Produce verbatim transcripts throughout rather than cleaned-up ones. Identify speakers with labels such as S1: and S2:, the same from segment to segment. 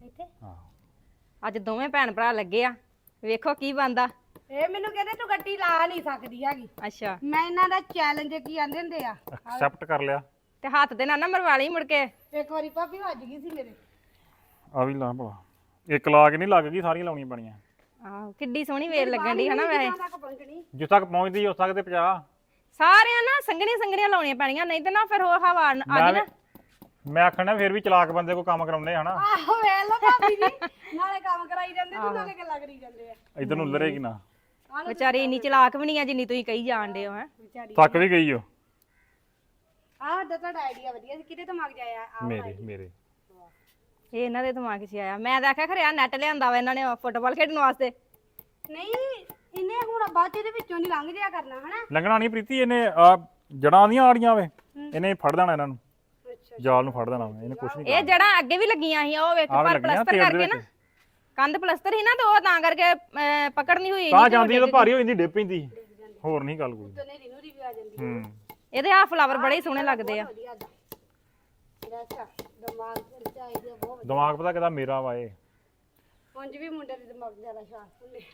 S1: ਇੱਥੇ
S2: ਹਾਂ
S1: ਅੱਜ ਦੋਵੇਂ ਭੈਣ ਭਰਾ ਲੱਗੇ ਆ ਵੇਖੋ ਕੀ ਬਣਦਾ
S3: ਇਹ ਮੈਨੂੰ ਕਹਿੰਦੇ ਤੂੰ ਗੱਡੀ ਲਾ ਨਹੀਂ ਸਕਦੀ ਹੈਗੀ
S1: ਅੱਛਾ
S3: ਮੈਂ ਇਹਨਾਂ ਦਾ ਚੈਲੰਜ ਕੀ ਆਂਦੇ ਹੁੰਦੇ ਆ
S2: ਐਕਸੈਪਟ ਕਰ ਲਿਆ
S1: ਤੇ ਹੱਥ ਦੇ ਨਾਲ ਨਾ ਮਰਵਾ ਲਈ ਮੁੜ ਕੇ
S3: ਇੱਕ ਵਾਰੀ ਭਾਬੀ ਵੱਜ ਗਈ ਸੀ ਮੇਰੇ
S2: ਆ ਵੀ ਲਾ ਭਲਾ ਇੱਕ ਲਾ ਕੇ ਨਹੀਂ ਲੱਗ ਗਈ ਸਾਰੀਆਂ ਲਾਉਣੀਆਂ ਪੈਣੀਆਂ
S1: ਆਹੋ ਕਿੱਡੀ ਸੋਹਣੀ ਵੇਲ ਲੱਗਣ ਦੀ ਹਨਾ ਵੈਸੇ
S3: ਤੱਕ ਪਹੁੰਚਣੀ
S2: ਜਿੱਥੇ ਤੱਕ ਪਹੁੰਚਦੀ ਉਸ ਤੱਕ ਤੇ ਪੰਜਾਹ
S1: ਸਾਰਿਆਂ ਨਾ ਸੰਘਣੀਆਂ ਸੰਘਣੀਆਂ ਲਾਉਣੀਆਂ ਪੈਣੀਆਂ ਨਹੀਂ ਤੇ ਨਾ ਫਿਰ ਉਹ ਹਵਾ ਆ ਗਈ ਨਾ
S2: ਮੈਂ ਆਖਣਾ ਫਿਰ ਵੀ ਚਲਾਕ ਬੰਦੇ ਕੋ ਕੰਮ ਕਰਾਉਂਦੇ ਹਨਾ
S3: ਆਹੋ ਵੇਖ ਲੋ ਭਾਬੀ ਜੀ ਨਾਲੇ ਕੰਮ ਕਰਾਈ ਜਾਂਦੇ ਤੇ ਨਾਲੇ ਗੱਲਾਂ ਕਰੀ ਜਾਂਦੇ ਆ
S2: ਇਧਰ ਨੂੰ ਉਲਰੇਗੀ ਨਾ
S1: ਵਿਚਾਰੀ ਇੰਨੀ ਚਲਾਕ ਵੀ ਨਹੀਂ ਆ ਜਿੰਨੀ ਤੁਸੀਂ ਕਹੀ ਜਾਣਦੇ ਹੋ ਹੈ
S3: ਵਿਚਾਰੀ
S2: ਥੱਕ ਵੀ ਗਈ ਓ
S3: ਆਹ ਦਾ ਤੁਹਾਡਾ ਆਈਡੀਆ ਵਧੀਆ ਸੀ ਕਿਤੇ ਦਿਮਾਗ ਜਾਇਆ ਆ
S2: ਮੇਰੇ ਮੇਰੇ
S1: ਇਹ ਇਹਨਾਂ ਦੇ ਦਿਮਾਗ 'ਚ ਆਇਆ ਮੈਂ ਤਾਂ ਆਖਿਆ ਖਰਿਆ ਨੈਟ ਲਿਆਂਦਾ ਵਾ ਇਹਨਾਂ ਨੇ ਫੁੱਟਬਾਲ ਖੇਡਣ ਵਾਸਤੇ
S3: ਨਹੀਂ ਇਹਨੇ ਹੁਣ ਬਾਅਦ ਚ ਇਹਦੇ ਵਿੱਚੋਂ ਦੀ ਲੰਘ ਜਿਆ ਕਰਨਾ ਹਨਾ
S2: ਲੰਘਣਾ ਨਹੀਂ ਪ੍ਰੀਤੀ ਇਹਨੇ ਆ ਜੜਾਂ ਦੀਆਂ ਆੜੀਆਂ ਵੇ ਇਹਨੇ ਫੜ ਦੇਣਾ ਇਹਨਾਂ ਨੂੰ
S3: ਅੱਛਾ
S2: ਜਾਲ ਨੂੰ ਫੜ ਦੇਣਾ ਵਾ, ਇਹਨੇ ਕੁਝ ਨਹੀਂ
S1: ਇਹ ਜੜਾਂ ਅੱਗੇ ਵੀ ਲੱਗੀਆਂ ਸੀ ਉਹ ਵੇਖੋ ਪਰ ਪਲਸਤਰ ਕਰਕੇ ਨਾ ਕੰਧ ਪਲਸਤਰ ਸੀ ਨਾ ਤੇ ਉਹ ਤਾਂ ਕਰਕੇ ਅਹ, ਪਕੜ ਨਹੀਂ ਹੋਈ
S2: ਤਾਂ ਜਾਂਦੀ ਤਾਂ ਭਾਰੀ ਹੋ ਜਾਂਦੀ ਡਿੱਪ ਪੈਂਦੀ ਹੋਰ ਨਹੀਂ ਗੱਲ ਕੋਈ
S3: ਤੇ ਨੇਰੀ ਨੂਰੀ ਵੀ ਆ ਜਾਂਦੀ
S2: ਹੂੰ
S1: ਇਹਦੇ ਆ ਫਲਾਵਰ ਬੜੇ ਹੀ ਸੋਹਣੇ ਲੱਗਦੇ ਆ
S3: ਵਧੀਆ ਦਾ ਇਹਦਾ ਅੱਛਾ ਦਿਮਾਗ ਤੇ ਚਾਹੀਦਾ ਬਹੁਤ
S2: ਦਿਮਾਗ ਪਤਾ ਕਿਦਾ ਮੇਰਾ ਵਾ ਇਹ
S3: ਉਂਝ ਵੀ ਮੁੰਡੇ ਦੇ ਦਿਮਾਗ ਜ਼ਿਆਦਾ ਸ਼ਾਰਪ ਹੁੰਦੇ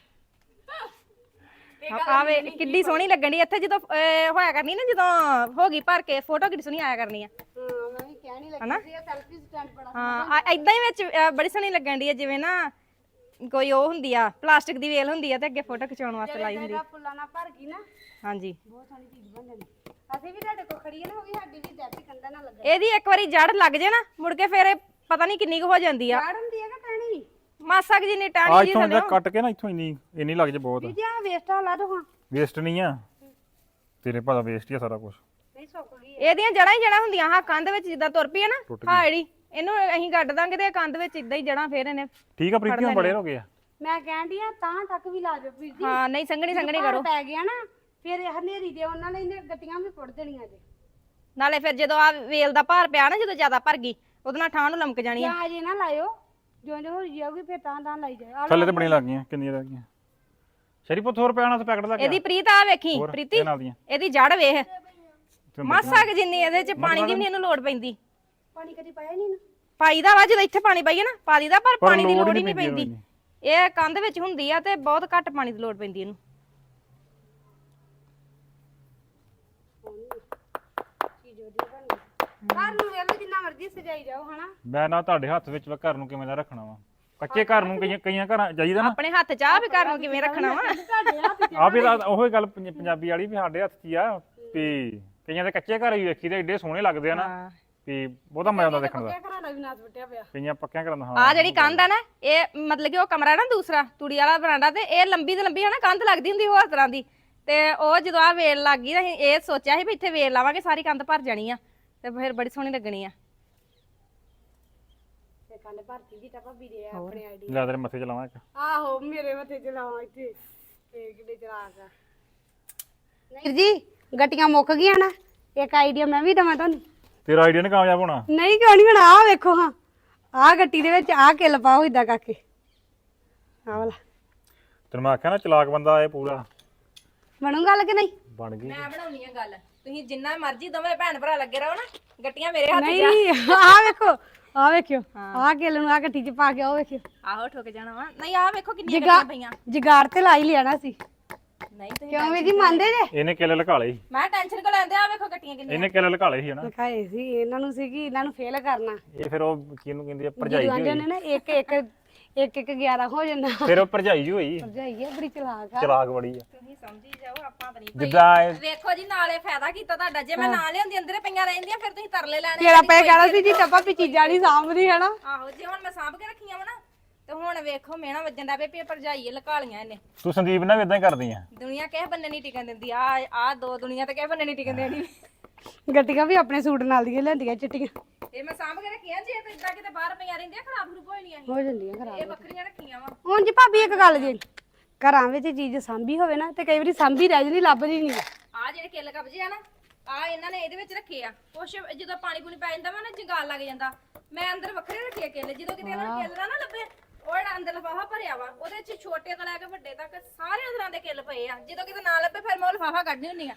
S1: ਆਵੇ ਕਿੱਡੀ ਸੋਹਣੀ ਲੱਗਣ ਦੀ ਇੱਥੇ ਜਦੋਂ ਅਹ, ਹੋਇਆ ਕਰਨੀ ਨਾ ਜਦੋਂ ਹੋ ਗਈ ਭਰ ਕੇ ਫੋਟੋ ਕਿੱਡੀ ਸੋਹਣੀ ਆਇਆ ਕਰਨੀ ਆ
S3: ਹਾਂ ਮੈਂ ਵੀ ਕਹਿਣ ਹੀ ਲੱਗੀ ਸੀ ਇਹ ਸੈਲਫੀ ਸਟੈਂਡ ਬੜਾ
S1: ਹਾਂ ਐਦਾਂ ਹੀ ਵਿੱਚ ਅਹ, ਬੜੀ ਸੋਹਣੀ ਲੱਗਣ ਦੀ ਆ ਜਿਵੇਂ ਨਾ ਕੋਈ ਉਹ ਹੁੰਦੀ ਆ ਪਲਾਸਟਿਕ ਦੀ ਵੇਲ ਹੁੰਦੀ ਆ ਤੇ ਅੱਗੇ ਫੋਟੋ ਖਿਚਾਉਣ ਵਾਸਤੇ ਲਾਈ ਹੁੰਦੀ
S3: ਜਗ੍ਹਾ ਫੁੱਲਾਂ ਨਾਲ ਭਰ ਗਈ ਨਾ
S1: ਹਾਂਜੀ
S3: ਬਹੁਤ ਸੋਹਣੀ ਚੀਜ਼ ਬਣ ਜਾਂਦੀ ਅਸੀਂ ਵੀ ਤੁਹਾਡੇ ਕੋਲ ਖੜੀ ਹੈ ਨਾ ਉਹ ਵੀ ਸਾਡੀ ਵੀ ਡੈਪੀ ਕੰਧਾਂ ਨਾਲ ਲੱਗਾ
S1: ਇਹਦੀ ਇੱਕ ਵਾਰੀ ਜੜ ਲੱਗ ਜੇ ਨਾ ਮੁੜ ਕੇ ਫਿਰ ਇਹ ਪਤਾ ਨਹੀਂ ਕਿੰਨੀ ਕੁ ਹੋ ਜਾਂਦੀ ਆ
S3: ਝਾੜ ਹੁੰਦੀ ਹੈ ਕਿ ਟਾਣੀ
S1: ਮਾਸਾ ਕੁ ਜਿੰਨੀ
S2: ਆ
S1: ਟਾਣੀ ਜੀ
S2: ਇੱਥੋਂ
S1: ਥੱਲੇ
S2: ਜੇ ਕੱਟ ਕੇ ਨਾ ਇੱਥੋਂ ਇੰਨੀ ਇੰਨੀ ਲੱਗ ਜੇ ਬਹੁਤ
S3: ਵੀ ਜੀ ਆ ਵੇਸਟ ਲਾ ਦੋ ਹਾਂ
S2: ਵੇਸਟ ਨਹੀਂ ਆ ਤੇਰੇ ਪਤਾ ਵੇਸਟ ਹੀ ਆ ਸਾਰਾ ਕੁਝ
S3: ਨਹੀਂ ਸੁੱਕ ਗਈ
S1: ਇਹਦੀਆਂ ਜੜਾਂ ਹੀ ਜੜਾਂ ਹੁੰਦੀਆਂ ਹਾਂ ਕੰਧ ਵਿੱਚ ਜਿੱਦਾਂ ਤੁਰ ਪਈ ਆ ਨਾ
S2: ਟੁੱਟ
S1: ਹਾਂ ਜਿਹੜੀ ਇਹਨੂੰ ਅਸੀਂ ਗੱਡ ਦਾਂਗੇ ਤੇ ਇਹ ਕੰਧ ਵਿੱਚ ਇਦਾਂ ਹੀ ਜੜਾਂ ਫੇਰ ਇਹਨੇ
S2: ਠੀਕ ਆ ਪ੍ਰੀਤੀ ਹੁਣ ਬੜੇ ਹੋ ਗਏ ਆ
S3: ਮੈਂ ਕਹਿੰਦੀ ਆ ਤਾਂ ਤੱਕ ਵੀ ਲਾ ਦਿਓ ਵੀਰ ਜੀ
S1: ਹਾਂ ਨਹੀਂ ਸੰਘਣੀ ਸੰਘਣੀ
S3: ਭਾਰ
S1: ਕਰੋ
S3: ਪੈ ਗਿਆ ਨਾ ਫਿਰ ਇਹ ਹਨੇਰੀ ਦੇ ਉਹਨਾਂ ਨੇ ਇਹਨੇ ਗੱਟੀਆਂ ਵੀ ਪੁੱਟ ਦੇਣੀਆਂ ਜੇ
S1: ਨਾਲੇ ਫਿਰ ਜਦੋਂ ਆ ਵੇਲ ਦਾ ਭਾਰ ਪਿਆ ਨਾ ਜਦੋਂ ਜ਼ਿਆਦਾ ਭਰ ਗਈ ਉਹਦੇ ਨਾਲ ਠਾਂ ਨੂੰ ਲਮਕ ਜਾਣੀ ਆ
S3: ਜਾਂ ਜੇ ਨਾ ਲਾਇਓ ਜਿਉਂ ਜਿਉਂ ਹੋ ਜਾਊਗੀ ਫਿਰ ਤਾਂ ਤਾਂ ਲਾਈ ਜਾਓ
S2: ਥੱਲੇ ਤੇ ਬਣੀ ਲੱਗ ਗਈਆਂ ਕਿੰਨੀਆਂ ਰਹਿ ਗਈਆਂ ਸ਼ਰੀ ਪੁੱਤ ਹੋਰ ਪੈਣਾ ਤੇ ਪੈਕਟ ਲੱਗ ਗਿਆ
S1: ਇਹਦੀ ਪ੍ਰੀਤ ਆ ਵੇਖੀ
S2: ਹੋਰ,
S1: ਪ੍ਰੀਤੀ
S2: ਇਹ ਨਾਲ ਦੀਆਂ
S1: ਇਹਦੀ ਜੜ ਵੇਖ
S2: ਤੇ
S1: ਮਾਸਾ ਕੁ ਜਿੰਨੀ ਇਹਦੇ ਚ ਪਾਣੀ ਦੀ ਵੀ ਨੀ ਇਹਨੂੰ ਲੋੜ ਪੈਂਦੀ
S3: ਪਾਣੀ ਕਦੀ ਪਾਇਆ ਨਹੀਂ ਨਾ
S1: ਪਾਈ ਦਾ ਵਾ ਜਦੋਂ ਇੱਥੇ ਪਾਣੀ ਪਾਈਏ ਨਾ ਪਾ ਦੀਦਾ ਪਰ
S2: ਪਰ
S1: ਪਾਣੀ ਦੀ
S2: ਲੋੜ
S1: ਲੋੜ
S2: ਹੀ
S1: ਹੀ ਨਹੀਂ
S2: ਨੀ ਪੈਂਦੀ
S1: ਪੈਂਦੀ ਇਹ ਕੰਧ ਵਿੱਚ ਹੁੰਦੀ ਆ ਤੇ ਬਹੁਤ ਘੱਟ ਪਾਣੀ ਦੀ ਲੋੜ ਪੈਂਦੀ ਇਹਨੂੰ
S3: ਚੀਜ਼ ਵਧੀਆ ਬਣ ਗਈ ਘਰ ਨੂੰ ਵੇਖ ਲਓ ਜਿੰਨਾ ਮਰਜ਼ੀ ਸਜਾਈ ਜਾਓ ਹਨਾ
S2: ਮੈਂ ਨਾ ਤੁਹਾਡੇ ਹੱਥ ਵਿੱਚ ਵਾ ਘਰ ਨੂੰ ਕਿਵੇਂ ਦਾ ਰੱਖਣਾ ਵਾ ਕੱਚੇ ਘਰ ਨੂੰ ਕਈਆਂ ਕਈਆਂ ਘਰਾਂ ਜਾਈਦਾ ਨਾ
S1: ਆਪਣੇ ਹੱਥ ਚਾਹ ਵੀ ਘਰ ਨੂੰ ਕਿਵੇਂ ਰੱਖਣਾ ਵਾ
S3: ਤੁਹਾਡੇ ਹੱਥ
S2: ਆ ਵੀ ਤਾਂ ਉਹੀ ਗੱਲ ਪੰਜ- ਪੰਜਾਬੀ ਵਾਲੀ ਵੀ ਸਾਡੇ ਹੱਥ 'ਚ ਹੀ ਆ ਵੀ ਕਈਆਂ ਦੇ ਕੱਚੇ ਘਰ ਹੀ ਵੇਖੀ ਤੇ ਏਡੇ ਸੋਹਣੇ ਲੱਗਦੇ ਆ ਨਾ
S1: ਹਾਂ।
S2: ਵੀ ਬਹੁਤਾ ਮਜ਼ਾ ਆਉਂਦਾ ਦੇਖਣ ਦਾ
S3: ਪੱਕਿਆ ਘਰਾਂ ਦਾ ਵੀ ਨਾਸ ਵਟਿਆ ਪਿਆ
S2: ਕਈਆਂ ਪੱਕਿਆਂ ਘਰਾਂ ਦਾ ਹਾਂ
S1: ਆ ਜਿਹੜੀ ਕੰਧ ਆ ਨਾ ਇਹ ਮਤਲਬ ਕਿ ਉਹ ਕਮਰਾ ਨਾ ਦੂਸਰਾ ਤੂੜੀ ਵਾਲਾ ਬਰਾਂਡਾ ਤੇ ਇਹ ਲੰਬੀ ਤੇ ਲੰਬੀ ਹੈ ਨਾ ਕੰਧ ਲੱਗਦੀ ਹੁੰਦੀ ਹੋਰ ਤਰ੍ਹਾਂ ਦੀ ਤੇ ਉਹ ਜਦੋਂ ਆ ਵੇਲ ਲੱਗ ਗਈ ਤਾਂ ਅਸੀਂ ਇਹ ਸੋਚਿਆ ਸੀ ਵੀ ਇੱਥੇ ਵੇਲ ਲਾਵਾਂਗੇ ਸਾਰੀ ਕੰਧ ਭਰ ਜਾਣੀ ਆ ਤੇ ਫਿਰ ਬੜੀ ਸੋਹਣੀ ਲੱਗਣੀ ਆ
S3: ਤੇ ਕੰਨ ਭਰਤੀ ਜੀ ਤਾਂ ਭਾਬੀ ਦੇ ਆ ਆਪਣੇ ਆਈਡੀ
S2: ਲੈ ਤੇਰੇ ਮੱਥੇ 'ਚ ਲਾਵਾਂ ਇੱਕ
S3: ਆਹੋ ਮੇਰੇ ਮੱਥੇ ਚਲਾਵਾਂ ਇੱਥੇ ਤੇ ਕਿੱਡੇ ਚਲਾਕ ਆ ਵੀਰ ਜੀ ਗੱਟੀਆਂ ਮੁੱਕ ਗਈਆਂ ਨਾ ਇੱਕ ਆਈਡੀਆ ਮੈਂ ਵੀ ਦਵਾਂ ਤੁਹਾਨੂੰ
S2: ਤੇਰਾ ਆਈਡੀਆ ਨੇ ਕਾਮਯਾਬ ਹੋਣਾ
S3: ਨਹੀਂ ਕਿਉਂ ਨਹੀਂ ਹੁਣ ਆਹ ਵੇਖੋ ਹਾਂ ਆਹ ਗੱਟੀ ਦੇ ਵਿੱਚ ਆਹ ਕਿੱਲ ਪਾਓ ਇਦਾਂ ਕਰਕੇ ਆਹ ਵਾਲਾ
S2: ਤੈਨੂੰ ਮੈਂ ਆਖਿਆ ਨਾ ਚਲਾਕ ਬੰਦਾ ਇਹ ਪੂਰਾ
S3: ਬਣੂ ਗੱਲ ਕਿ ਨਹੀਂ
S2: ਬਣ ਗਈ
S1: ਮੈਂ ਬਣਾਉਣੀ ਆ ਗੱਲ ਤੁਸੀਂ ਜਿੰਨਾ ਮਰਜ਼ੀ ਦੋਵੇਂ ਭੈਣ ਭਰਾ ਲੱਗੇ ਰਹੋ ਨਾ ਗੱਟੀਆਂ ਮੇਰੇ ਹੱਥ 'ਚ
S3: ਨਹੀਂ ਆਹ ਵੇਖੋ ਆਹ ਵੇਖਿਓ ਆਹ ਕਿੱਲ ਨੂੰ ਆਹ ਗੱਟੀ 'ਚ ਪਾ ਕੇ ਆਹ ਵੇਖਿਓ
S1: ਆਹੋ ਠੁਕ ਜਾਣਾ ਵਾ ਨਹੀਂ ਆਹ ਵੇਖੋ ਕਿੰਨੀਆਂ ਗੱਟੀਆਂ ਪਈਆਂ
S3: ਜਗਾੜ ਤੇ ਲਾ ਹੀ ਲਿਆਣਾ ਸੀ
S1: ਨਹੀਂ ਤੁਸੀਂ
S3: ਕਿਉਂ ਵੀ ਜੀ ਮੰਨਦੇ ਜੇ
S2: ਇਹਨੇ ਕਿੱਲੇ ਲਗਾ ਲਏ ਸੀ
S1: ਮੈਂ ਟੈਨਸ਼ਨ ਕੋ ਲੈਂਦੇ ਆ ਵੇਖੋ ਗੱਟੀਆਂ ਕਿੰਨੀਆਂ
S2: ਇਹਨੇ ਕਿੱਲੇ ਲਗਾ ਲਏ ਸੀ ਹਨਾ
S3: ਦਿਖਾਏ ਸੀ ਇਹਨਾਂ ਨੂੰ ਸੀ ਕਿ ਇਹਨਾਂ ਨੂੰ ਫੇਲ ਕਰਨਾ
S2: ਇਹ ਫਿਰ ਉਹ ਕਿਹਨੂੰ ਕਹਿੰਦੀ ਆ ਭਰਜਾਈ ਜੀ
S3: ਜਾਂਦੇ
S2: ਹੋਈ
S3: ਨੇ ਨਾ ਇੱਕ ਇੱਕ ਇੱਕ ਇੱਕ ਗਿਆਰਾਂ ਹੋ ਜਾਂਦਾ
S2: ਫਿਰ ਉਹ ਭਰਜਾਈ ਜੀ ਹੋਈ
S3: ਭਰਜਾਈ ਆ ਬੜੀ ਚਲਾਕ ਆ
S2: ਚਲਾਕ ਬੜੀ ਆ
S1: ਤੁਸੀਂ ਸਮਝੀ ਜਾਓ ਆਪਾਂ ਤਾਂ ਨਹੀਂ
S2: ਜਿੱਦਾਂ ਇਹ-
S1: ਵੇਖੋ ਜੀ ਨਾਲੇ ਫਾਇਦਾ ਕੀਤਾ ਤੁਹਾਡਾ ਜੇ ਮੈਂ ਨਾ ਲਿਆਂਦੀ ਅੰਦਰੇ ਪਈਆਂ ਰਹਿੰਦੀਆਂ ਫਿਰ ਤੁਸੀਂ ਤਰਲੇ ਲੈਣੇ
S3: ਤੇਰਾ ਪੈ ਕਹਿਣਾ ਸੀ ਜੀ ਟੱਪਾ ਵੀ ਚੀਜ਼ਾਂ ਨਹੀਂ ਸਾਂਭਦੀ ਹੈ ਨਾ
S1: ਆਹੋ ਜੇ ਹੁਣ ਮੈਂ ਸਾਂਭ ਕੇ ਰੱਖੀਆਂ ਵਾ ਨਾ ਤੇ ਹੁਣ ਵੇਖੋ ਮੇਣਾ ਵੱਜਣ ਦਾ ਪੇ ਭਰਜਾਈਏ ਲਕਾਲੀਆਂ ਇਹਨੇ
S2: ਤੂੰ ਸੰਦੀਪ ਨਾਲ ਵੀ ਇਦਾਂ ਹੀ ਕਰਦੀ ਆ
S1: ਦੁਨੀਆ ਕਿਸੇ ਬੰਨੇ ਨਹੀਂ ਟਿਕਣ ਦਿੰਦੀ ਆ ਆ ਦੋ ਦੁਨੀਆ ਤੇ ਕਿਸੇ ਬੰਨੇ ਨਹੀਂ ਟਿਕਣ ਦੇਣੀ
S3: ਗੱਟੀਆਂ ਵੀ ਆਪਣੇ ਸੂਟ ਨਾਲ ਦੀਆਂ ਲੈਂਦੀਆਂ ਚਿੱਟੀਆਂ
S1: ਇਹ ਮੈਂ ਸਾਂਭ ਕੇ ਰੱਖੀਆਂ ਜੇ ਤੇ ਇਦਾਂ ਕਿਤੇ ਬਾਹਰ ਪਈਆਂ ਰਹਿੰਦੀਆਂ ਖਰਾਬ ਖਰੂਬ ਹੋ ਜਾਣੀਆਂ ਸੀ
S3: ਹੋ ਜਾਂਦੀਆਂ ਖਰਾਬ
S1: ਇਹ ਵੱਖਰੀਆਂ ਰੱਖੀਆਂ ਵਾ
S3: ਹੁਣ ਜੀ ਭਾਬੀ ਇੱਕ ਗੱਲ ਜੀ ਘਰਾਂ ਵਿੱਚ ਚੀਜ਼ ਸਾਂਭੀ ਹੋਵੇ ਨਾ ਤੇ ਕਈ ਵਾਰੀ ਸਾਂਭੀ ਰਹਿ ਜਾਂਦੀ ਲੱਭਦੀ ਨਹੀਂ
S1: ਆ ਜਿਹੜੇ ਕਿੱਲ ਕਬਜੇ ਆ ਨਾ ਆ ਇਹਨਾਂ ਨੇ ਇਹਦੇ ਵਿੱਚ ਰੱਖੇ ਆ ਕੁਛ ਜਦੋਂ ਪਾਣੀ ਪੂਣੀ ਪੈ ਜਾਂਦਾ ਵਾ ਨਾ ਜੰਗਾਲ ਲੱਗ ਜਾਂਦਾ ਮੈਂ ਅੰਦਰ ਵੱਖਰੇ ਰੱਖੇ ਆ ਕਿੱਲ ਜਦੋਂ ਕਿਤੇ ਇਹਨਾਂ ਨੂੰ ਕਿੱਲ ਨਾ ਨਾ ਲੱਭੇ ਉਹ ਜਿਹੜਾ ਅੰਦਰ ਲਿਫਾਫਾ ਭਰਿਆ ਵਾ ਉਹਦੇ ਚ ਛੋਟੇ ਤੋਂ ਲੈ ਕੇ ਵੱਡੇ ਤੱਕ ਸਾਰੇ ਤਰ੍ਹਾਂ ਦੇ ਕਿੱਲ ਪਏ ਆ ਜਦੋਂ ਕਿਤੇ ਨਾ ਲੱਭੇ ਫਿਰ ਮੈਂ ਉਹ ਲਿਫਾਫਾ ਕੱਢਣੀ ਹੁੰਨੀ ਆ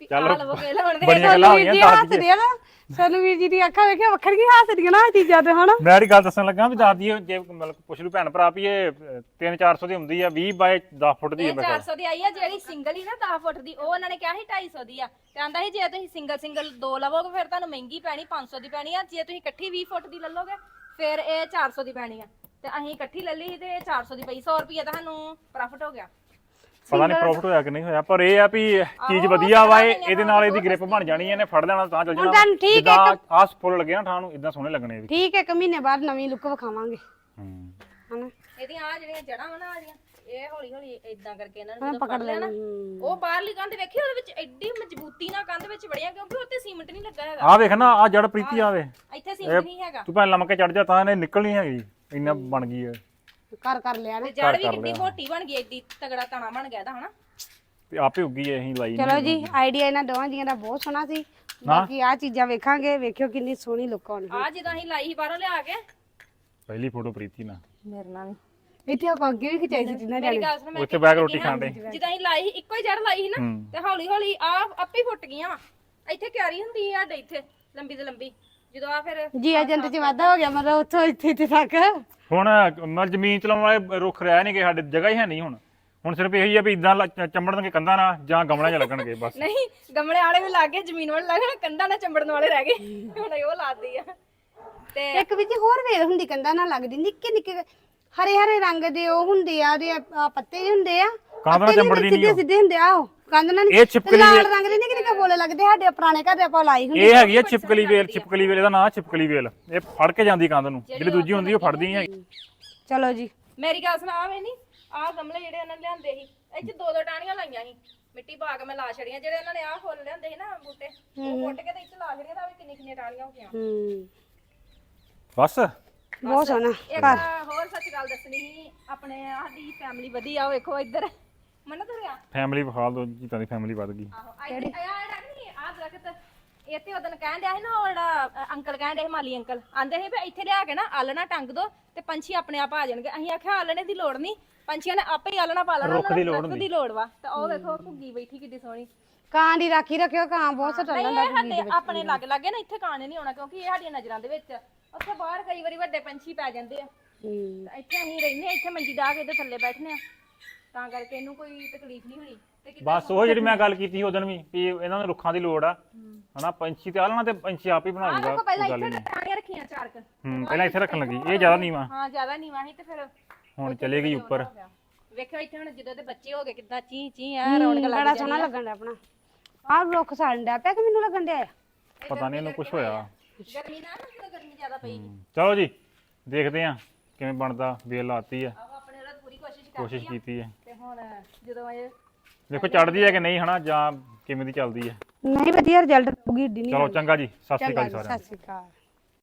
S2: ਚੱਲ
S1: ਲਵੋ ਕੇ ਲਾਉਣ ਦੇ
S2: ਬੜੀਆਂ ਗੱਲਾਂ ਹੋਈਆਂ ਦੱਸ
S3: ਹੱਸਦੇ
S2: ਦਈਏ
S3: ਆ ਨਾ ਸਾਨੂੰ ਵੀਰ ਜੀ ਦੀ ਅੱਖਾਂ ਵੇਖਿਆ ਵੱਖਰ ਕੀ ਹੱਸਦੀਆਂ ਨਾ ਆਹ ਚੀਜ਼ਾਂ ਤੇ ਹਨਾ
S2: ਮੈਂ ਇਹ ਗੱਲ ਦੱਸਣ ਲੱਗਾ ਵੀ ਦੱਸ ਦਈਏ ਜੇ ਮਤਲਬ ਪੁੱਛ ਲੂ ਭੈਣ ਭਰਾ ਵੀ ਇਹ ਤਿੰਨ ਚਾਰ ਸੌ ਦੀ ਹੁੰਦੀ ਆ ਵੀਹ ਬਾਏ ਦਸ ਫੁੱਟ ਦੀ ਹੈ
S1: ਇਹ
S2: ਮੇਰੇ
S1: ਚਾਰ
S2: ਖਿਆਲ
S1: ਸੌ ਦੀ ਆਈ ਆ ਜਿਹੜੀ ਸਿੰਗਲ ਹੀ ਨਾ ਦਸ ਫੁੱਟ ਦੀ ਉਹ ਉਹਨਾਂ ਨੇ ਕਿਹਾ ਸੀ ਢਾਈ ਸੌ ਦੀ ਆ ਤੇ ਆਂਦਾ ਸੀ ਜੇ ਤੁਸੀਂ ਸਿੰਗਲ ਸਿੰਗਲ ਦੋ ਲਵੋਗੇ ਫਿਰ ਤੁਹਾਨੂੰ ਮਹਿੰਗੀ ਪੈਣੀ ਪੰਜ ਸੌ ਦੀ ਪੈਣੀ ਆ ਜੇ ਤੁਸੀਂ ਇਕੱਠੀ ਵੀਹ ਫੁੱਟ ਦੀ ਲੈ ਲਓਗੇ ਫਿਰ ਇਹ ਚਾਰ ਸੌ ਦੀ ਪੈਣੀ ਆ ਤੇ ਅਸੀਂ ਇਕੱਠੀ ਲੈ ਲਈ ਸੀ ਤੇ ਇਹ ਚਾਰ ਸੌ ਦੀ ਪਈ ਸੌ ਰੁਪਏ ਤਾਂ ਸਾਨੂੰ ਪ੍ਰੋਫਿਟ ਹੋ ਗਿਆ
S2: ਪਤਾ ਨਹੀਂ ਪ੍ਰੋਫਿਟ ਹੋਇਆ ਕਿ ਨਹੀਂ ਹੋਇਆ ਪਰ ਇਹ ਆ ਵੀ ਚੀਜ਼ ਵਧੀਆ ਵਾ ਇਹ ਇਹਦੇ ਨਾਲ ਇਹਦੀ ਗ੍ਰਿਪ ਬਣ ਜਾਣੀ ਇਹਨੇ ਫੜ ਲੈਣਾ ਤਾਂ ਚੱਲ ਜਾਣਾ
S3: ਤੁਹਾਨੂੰ ਠੀਕ ਹੈ
S2: ਆਸ ਫੁੱਲ ਲੱਗੇ ਨਾ ਥਾਂ ਨੂੰ ਇਦਾਂ ਸੋਹਣੇ ਲੱਗਣੇ ਇਹ ਵੀ
S3: ਠੀਕ ਹੈ ਇੱਕ ਮਹੀਨੇ ਬਾਅਦ ਨਵੀਂ ਲੁੱਕ ਵਿਖਾਵਾਂਗੇ
S2: ਹੂੰ
S3: ਹਨਾ
S1: ਇਹਦੀਆਂ ਆ ਜਿਹੜੀਆਂ ਜੜਾਂ ਵਾ ਨਾ ਆ ਜਿਹੜੀਆਂ ਇਹ ਹੌਲੀ ਹੌਲੀ ਇਦਾਂ ਕਰਕੇ ਇਹਨਾਂ ਨੂੰ
S3: ਹਾਂ,
S1: ਜਦੋਂ
S3: ਪਕੜ ਲੈਣਾ
S1: ਉਹ ਬਾਹਰਲੀ ਕੰਧ ਵੇਖੀ ਉਹਦੇ ਵਿੱਚ ਐਡੀ ਮਜ਼ਬੂਤੀ ਨਾਲ ਕੰਧ ਵਿੱਚ ਵੜੀਆਂ ਕਿਉਂਕਿ ਉੱਤੇ ਸੀਮੈਂਟ ਨਹੀਂ ਲੱਗਾ ਹੈਗਾ
S2: ਆ ਵੇਖ ਨਾ ਆ ਜੜ ਪ੍ਰੀਤੀ ਆਵੇ
S1: ਇੱਥੇ ਸੀਮੈਂਟ ਨਹੀਂ ਹੈਗਾ
S2: ਤੂੰ ਭਾਵੇਂ ਲੰਮ ਕੇ ਚੜ ਜਾ ਤਾਂ ਇਹਨੇ ਨਿਕਲਣੀ ਹੈਗੀ ਇੰਨਾ ਬਣ ਗਈ ਹੈ
S3: ਕਰ ਕਰ ਲਿਆ ਨਾ
S1: ਤੇ ਜੜ ਵੀ ਕਿੰਨੀ ਮੋਟੀ ਬਣ ਗਈ ਐਡੀ ਤਗੜਾ ਤਣਾ ਬਣ ਗਿਆ ਇਹਦਾ ਹਨਾ
S2: ਤੇ ਆਪੇ ਉੱਗੀ ਐ ਅਸੀਂ ਲਾਈ
S3: ਚਲੋ ਜੀ ਆਈਡੀਆ ਇਹਨਾਂ ਦੋਵਾਂ ਜੀਆਂ ਦਾ ਬਹੁਤ ਸੋਹਣਾ ਸੀ ਬਾਕੀ ਆ ਚੀਜ਼ਾਂ ਵੇਖਾਂਗੇ ਵੇਖਿਓ ਕਿੰਨੀ ਸੋਹਣੀ ਲੁੱਕ ਆਉਣੀ
S1: ਆ ਜਦੋਂ ਅਸੀਂ ਲਾਈ ਸੀ ਬਾਹਰੋਂ ਲਿਆ ਕੇ
S2: ਪਹਿਲੀ ਫੋਟੋ ਪ੍ਰੀਤੀ ਨਾਲ
S1: ਮੇਰੇ ਨਾਲ ਵੀ
S3: ਇੱਥੇ ਆਪਾਂ ਅੱਗੇ ਵੀ ਖਿਚਾਈ ਸੀ ਜਿੰਨਾ
S1: ਮੇਰੀ ਗੱਲ ਸੁਣ ਮੈਂ
S2: ਉੱਥੇ ਬੈਗ ਰੋਟੀ ਖਾਣ ਦੇ
S1: ਜਦੋਂ ਅਸੀਂ ਲਾਈ ਸੀ ਇੱਕੋ ਹੀ ਜੜ ਲਾਈ ਸੀ ਨਾ
S2: ਹੂੰ
S1: ਤੇ ਹੌਲੀ ਹੌਲੀ ਆ ਆਪੇ ਫੁੱਟ ਗਈਆਂ ਵਾ ਇੱਥੇ ਕਿਆਰੀ ਹੁੰਦੀ ਆ ਸਾਡੇ ਇੱਥੇ ਲੰਬੀ ਤੇ ਲੰਬੀ ਜਦੋਂ ਆ ਫਿਰ
S3: ਜੀ ਏਜੰਟ ਚ ਵਾਧਾ ਹੋ ਗਿਆ ਮਤਲਬ ਉੱਥੋਂ ਇੱਥੇ ਇੱਥੇ ਤੱਕ
S2: ਹੁਣ ਮਲ ਜ਼ਮੀਨ ਚਲਾਉਣ ਵਾਲੇ ਰੁੱਖ ਰਹਿ ਨਹੀਂ ਗਏ ਸਾਡੇ ਜਗ੍ਹਾ ਹੀ ਹੈ ਨਹੀਂ ਹੁਣ ਹੁਣ ਸਿਰਫ ਇਹੀ ਆ ਵੀ ਇਦਾਂ ਚੰਬੜਨਗੇ ਕੰਧਾਂ ਨਾਲ ਜਾਂ ਗਮਲਿਆਂ 'ਚ ਲੱਗਣਗੇ ਬਸ
S1: ਨਹੀਂ ਗਮਲੇ ਵਾਲੇ ਵੀ ਲੱਗ ਗਏ ਜ਼ਮੀਨ ਵਾਲੇ ਲੱਗ ਗਏ ਕੰਧਾਂ ਨਾਲ ਚੰਬੜਨ ਵਾਲੇ ਰਹਿ ਗਏ ਹੁਣ ਉਹ ਲਾਦੀ ਆ ਤੇ
S3: ਇੱਕ ਵਿੱਚ ਹੋਰ ਵੇਲ ਹੁੰਦੀ ਕੰਧਾਂ ਨਾਲ ਲੱਗਦੀ ਨਿੱਕੇ ਨਿੱਕੇ ਹਰੇ ਹਰੇ ਰੰਗ ਦੇ ਉਹ ਹੁੰਦੇ ਆ ਉਹਦੇ ਆਹ ਪੱਤੇ ਜਿਹੇ ਹੁੰਦੇ ਆ
S2: ਕੰਧ ਨਾਲ ਚੰਬੜਦੀ ਨਹੀਂ
S3: ਸਿੱਧੇ ਸਿੱਧੇ ਹੁੰਦੇ ਆ ਉਹ ਕੰਧ ਨਾਲ
S2: ਇਹ ਛਿਪਕਲੀ
S3: ਲਾਲ ਰੰਗ ਦੇ ਨਿੱਕੇ ਨਿੱਕੇ ਬੋਲੇ ਲੱਗਦੇ ਸਾਡੇ ਪੁਰਾਣੇ ਘਰ ਦੇ ਆਪਾਂ ਲਾਈ ਹੁੰਦੀ
S2: ਇਹ ਹੈਗੀ ਆ ਛਿਪਕਲੀ ਵੇਲ ਛਿਪਕਲੀ ਵੇਲ ਇਹਦਾ ਨਾਂ ਛਿਪਕਲੀ ਵੇਲ ਇਹ ਫੜ ਕੇ ਜਾਂਦੀ ਕੰਧ ਨੂੰ ਜਿਹੜੀ ਦੂਜੀ ਹੁੰਦੀ ਉਹ ਫੜਦੀ ਨਹੀਂ ਹੈਗੀ
S3: ਚਲੋ ਜੀ
S1: ਮੇਰੀ ਗੱਲ ਸੁਣਾ ਆਵੇ ਨਹੀਂ ਆਹ ਗਮਲੇ ਜਿਹੜੇ ਉਹਨਾਂ ਨੇ ਲਿਆਂਦੇ ਸੀ ਇੱਥੇ ਦੋ ਦੋ ਟਾਹਣੀਆਂ ਲਾਈਆਂ ਸੀ ਮਿੱਟੀ ਪਾ ਕੇ ਮੈਂ ਲਾ ਛੜੀਆਂ ਜਿਹੜੇ ਉਹਨਾਂ ਨੇ ਆਹ ਫੁੱਲ ਲਿਆਂਦੇ ਸੀ ਨਾ ਬੂਟੇ ਉਹ ਪੁੱਟ ਕੇ ਤੇ ਇੱਥੇ ਲਾ ਛੜੀਆਂ ਤਾਂ ਵੀ ਕਿੰਨੀ ਕਿੰਨੀਆਂ ਟਾਹਣੀਆਂ ਹੋ ਗਈਆਂ
S3: ਹੂੰ
S2: ਬਸ
S3: ਬਹੁਤ ਸੋਹਣਾ
S1: ਇੱਕ ਹੋਰ ਸੱਚ ਗੱਲ ਦੱਸਣੀ ਸੀ ਆਪਣੇ ਸਾਡੀ ਫੈਮਿਲੀ ਵਧੀਆ ਉਹ ਵੇਖੋ ਇੱਧਰ ਮੰਨ ਤੁਰਿਆ
S2: ਫੈਮਿਲੀ ਵਿਖਾ ਦੋ ਜੀਤਾਂ ਦੀ ਫੈਮਿਲੀ ਵੱਧ ਗਈ
S1: ਆਹੋ ਆ ਜਿਹੜਾ ਨਹੀਂ ਆ ਦਰਖਤ ਇਹ ਤੇ ਉਦੋਂ ਕਹਿਣ ਡਿਆ ਸੀ ਨਾ ਉਹ ਜਿਹੜਾ ਅ, ਅੰਕਲ ਕਹਿਣ ਡਿਆ ਸੀ ਮਾਲੀ ਅੰਕਲ ਆਂਦੇ ਸੀ ਵੀ ਇੱਥੇ ਲਿਆ ਕੇ ਨਾ ਆਲਣਾ ਟੰਗ ਦੋ ਤੇ ਪੰਛੀ ਆਪਣੇ ਆਪ ਆ ਜਾਣਗੇ ਅਸੀਂ ਆਖਿਆ ਆਲਣੇ ਦੀ ਲੋੜ ਨਹੀਂ ਪੰਛੀਆਂ ਨੇ ਆਪੇ ਹੀ ਆਲਣਾ ਪਾ ਲੈਣਾ
S2: ਰੁੱਖ ਦੀ ਲੋੜ
S1: ਰੁੱਖ ਦੀ ਲੋੜ ਵਾ ਤਾਂ ਉਹ ਵੇਖੋ ਘੁੱਗੀ ਬੈਠੀ ਕਿੱਡੀ ਸੋਹਣੀ
S3: ਕਾਂ ਦੀ ਰਾਖੀ ਰੱਖਿਓ ਕਾਂ ਬਹੁਤ ਸਟਲ
S1: ਨਹੀਂ
S3: ਹੁੰਦਾ
S1: ਇਹ ਸਾਡੇ ਆਪਣੇ ਲੱਗ ਲੱਗੇ ਨਾ ਇੱਥੇ ਕਾਣੇ ਨਹੀਂ ਆਉਣਾ ਕਿਉਂਕਿ ਇਹ ਸਾਡੀਆਂ ਨਜ਼ਰਾਂ ਦੇ ਵਿੱਚ ਉੱਥੇ ਬਾਹਰ ਕਈ ਵਾਰੀ ਵੱਡੇ ਪੰਛੀ ਪੈ ਜਾਂਦੇ ਆ
S3: ਹੂੰ
S1: ਤਾਂ ਇੱਥੇ ਅਸੀਂ ਰਹਿੰਦੇ ਆ ਇੱਥੇ ਮੰਜੀ ਡਾਹ ਕੇ ਇਹਦੇ ਥੱਲੇ ਬੈਠਨੇ ਆ ਤਾਂ ਕਰਕੇ ਇਹਨੂੰ ਕੋਈ ਤਕਲੀਫ ਨਹੀਂ ਹੋਣੀ ਤੇ ਕਿਤੇ
S2: ਬਸ ਉਹ ਜਿਹੜੀ ਮੈਂ ਗੱਲ ਕੀਤੀ ਸੀ ਉਦੋਂ ਵੀ ਵੀ ਇਹਨਾਂ ਨੂੰ ਰੁੱਖਾਂ ਦੀ ਲੋੜ ਆ ਹਨਾ ਪੰਛੀ ਤੇ ਆਲਣਾ ਤੇ ਪੰਛੀ ਆਪ ਹੀ ਬਣਾ
S1: ਆਹ
S2: ਲੂਗਾ
S1: ਦੇਖੋ ਪਹਿਲਾਂ
S2: ਕੋਈ ਗੱਲ
S1: ਇੱਥੇ
S2: ਨਹੀਂ
S1: ਟਾਣੀਆਂ ਰੱਖੀਆਂ ਚਾਰ ਕ
S2: ਹੂੰ ਪਹਿਲਾਂ ਇੱਥੇ ਰੱਖਣ ਲੱਗੀ ਇਹ ਜ਼ਿਆਦਾ ਨੀਵਾ
S1: ਹਾਂ ਜ਼ਿਆਦਾ ਨੀਵਾਂ ਸੀ ਤੇ ਫਿਰ
S2: ਹੁਣ ਚਲੇ ਗਈ ਉੱਪਰ
S1: ਵੇਖਿਓ ਇੱਥੇ ਹੁਣ ਜਦੋਂ ਦੇ ਬੱਚੇ ਹੋ ਗਏ ਕਿੱਦਾਂ ਚੀ ਚੀ ਆ ਰੌਣਕ ਲੱਗ
S3: ਬੜਾ ਸੋਹਣਾ ਲੱਗਣ ਡਿਆ ਆਪਣਾ ਆਹ ਰੁੱਖ ਸਾੜਨ ਡਿਆ ਪਿਆ ਕਿ ਮੈਨੂੰ ਲੱਗਣ ਡਿਆ ਆ
S2: ਪਤਾ ਨਹੀਂ ਇਹਨੂੰ ਕੁਝ ਹੋਇਆ
S1: ਗਰਮੀ ਨਾਲ ਨਾ ਜਦੋਂ ਗਰਮੀ ਜ਼ਿਆਦਾ ਪਈ
S2: ਚਲੋ ਜੀ ਦੇਖਦੇ ਆ ਕਿਵੇਂ ਬਣਦਾ ਵੇਲ ਲਾਤੀ ਆ
S1: ਆਹੋ ਆਪਣੇ ਵੱਲੋਂ ਪੂਰੀ ਕੋਸ਼ਿਸ਼ ਕਰ
S2: ਕੋਸ਼ਿਸ਼ ਕੀਤੀ ਹੈ
S1: ਤੇ ਹੁਣ ਜਦੋਂ ਇਹ
S2: ਦੇਖੋ ਚੜਦੀ ਹੈ ਕਿ ਨਹੀਂ ਹਨਾ ਜਾਂ ਕਿਵੇਂ ਦੀ ਚੱਲਦੀ ਹੈ
S3: ਨਹੀਂ ਵਧੀਆ ਰਿਜ਼ਲਟ ਪੂਗੀ ਏਡੀ ਨਹੀਂ
S2: ਚਲੋ ਚੰਗਾ ਜੀ ਸਤਿ ਸ਼੍ਰੀ ਅਕਾਲ ਜੀ
S3: ਚੰਗਾ ਜੀ,
S2: ਸਾਰਿਆਂ ਨੂੰ
S3: ਸਤਿ ਸ਼੍ਰੀ ਅਕਾਲ